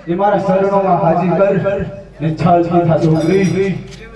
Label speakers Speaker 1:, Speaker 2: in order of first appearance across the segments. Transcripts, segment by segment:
Speaker 1: એ મારા શરણોમાં હાજી કર ને છાલતી થા છોકરી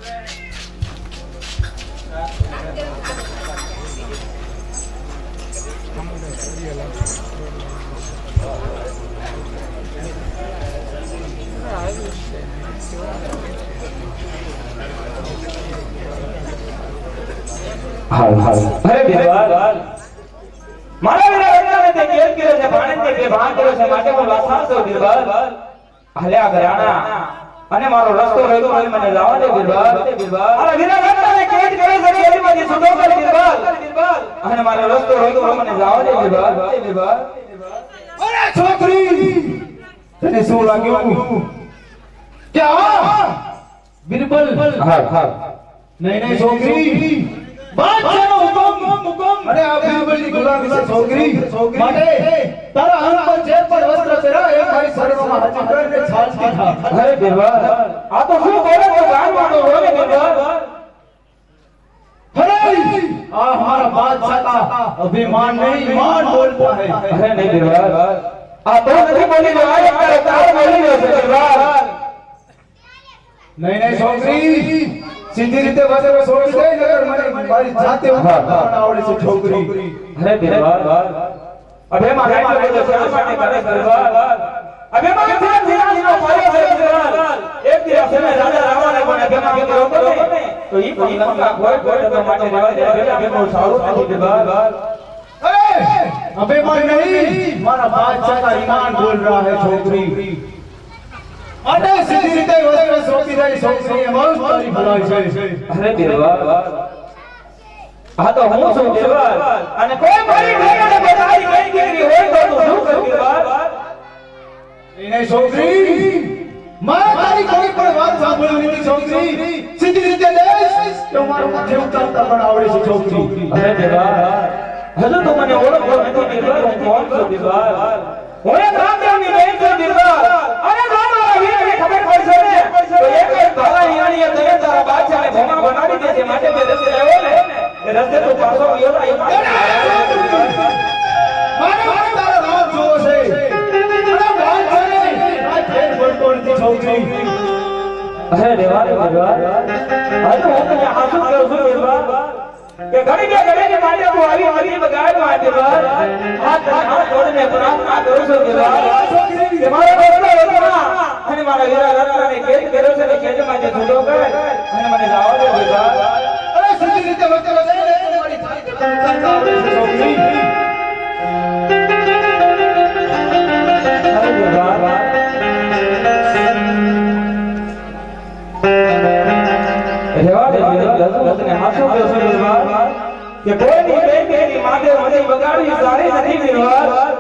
Speaker 2: हाल हाल अरे बिरबल मारा मेरा बेटा ने ते केल किरो से भाणे ते बेभान किरो से माटे को वासार तो बिरबल हल्या घराना અને મારો રસ્તો રહ્યો હોય મને જવા દે બિરબલ અરે વિના બેટા ને કેદ કરે છે કેદી માંથી છૂટો કર બિરબલ અને મારો રસ્તો રહ્યો હોય મને જવા દે બિરબલ
Speaker 1: અરે છોકરી તને શું લાગ્યું કે આ બિરબલ
Speaker 2: હા હા
Speaker 1: નહીં નહીં છોકરી બાદશાહનો હુકમ અરે આ બિરબલની ગુલામી છે છોકરી માટે તારા અંગ પર જે પણ વસ્ત્ર પહેરા એ મારી શરણોમાં હાજર કરીને છાલતી થા
Speaker 2: અરે બિરબલ આ તો શું બોલે તો ગાન વાળો હોય બિરબલ
Speaker 1: अरे आ हमारा बादशाह का अभिमान नहीं मान बोलता है
Speaker 2: अरे नहीं बिरबल आ तो नहीं बोली जो आए कर तार बोली जो से बिरबल
Speaker 1: नहीं छोकरी सीधी રીતે વસરે છોડી દે નગર મને મારી જાતે પણ આવડે છે છોકરી
Speaker 2: अरे बिरबल अबे मारे मारे जो शरण माटे करे बिरबल अबे मारे धीरे धीरे नो पायो है बिरबल एक दिन से में राजा रावण ने कोने अबे मारे रोको ने तो ई कोई लंका कोई तो माटे रेवा दे अबे नो सारू नहीं बिरबल
Speaker 1: अरे अभिमान नहीं मारा बादशाह का ईमान बोल रहा है छोकरी अरे सीधी રીતે વસરે છોડી દે છોકરી એ બહુ તારી ભલાઈ છે
Speaker 2: अरे बिरबल આ તો હું છું બિરબલ અને કોઈ મારી ઘરે બધાઈ ગઈ ગઈ હોય તો તું શું કર બિરબલ
Speaker 1: એને છોકરી મારે તારી કોઈ પણ વાત સાંભળવી નથી છોકરી સીધી રીતે લેશ તો મારું માથે ઉતારતા પણ આવડે છે છોકરી
Speaker 2: અરે બિરબલ હજુ તો મને ઓળખો નથી બિરબલ હું કોણ છું બિરબલ હું એક રાજાની બહેન છું બિરબલ અરે મારા વીરને ખબર પડશે ને તો એક એક ભાલા હિયાણીએ તને તારા બાદશાહને ભોમા બનાવી દે છે માટે બે રસ્તે આવ્યો ને એ રસ્તે તો પાછો ગયો ને
Speaker 1: મારે તારા નામ જોવો છે અરે બાદશાહ ને આ ફેર પડતો નથી છોકરી
Speaker 2: અરે રેવા દે બિરબલ હજુ હું તને હાસુ કહું છું બિરબલ કે ઘડી કે માટે હું આવી બગાડ માટે બિરબલ હાથ જોડીને પ્રાર્થના કરું છું બિરબલ કે મારો રસ્તો રોકવા અને મારા વીરા રત્નને કેદ કર્યો છે ને કેદ માટે છૂટો કર અને મને જવા દે બિરબલ
Speaker 1: અરે સીધી રીતે વચન દે મારી જાતે કરતા આવડે છે છોકરી
Speaker 2: અરે બિરબલ રેવા દે બિરબલ તને હાસુ કહું છું બિરબલ કે કોઈની બેન બેની માટે મને બગાડવી સારી નથી બિરબલ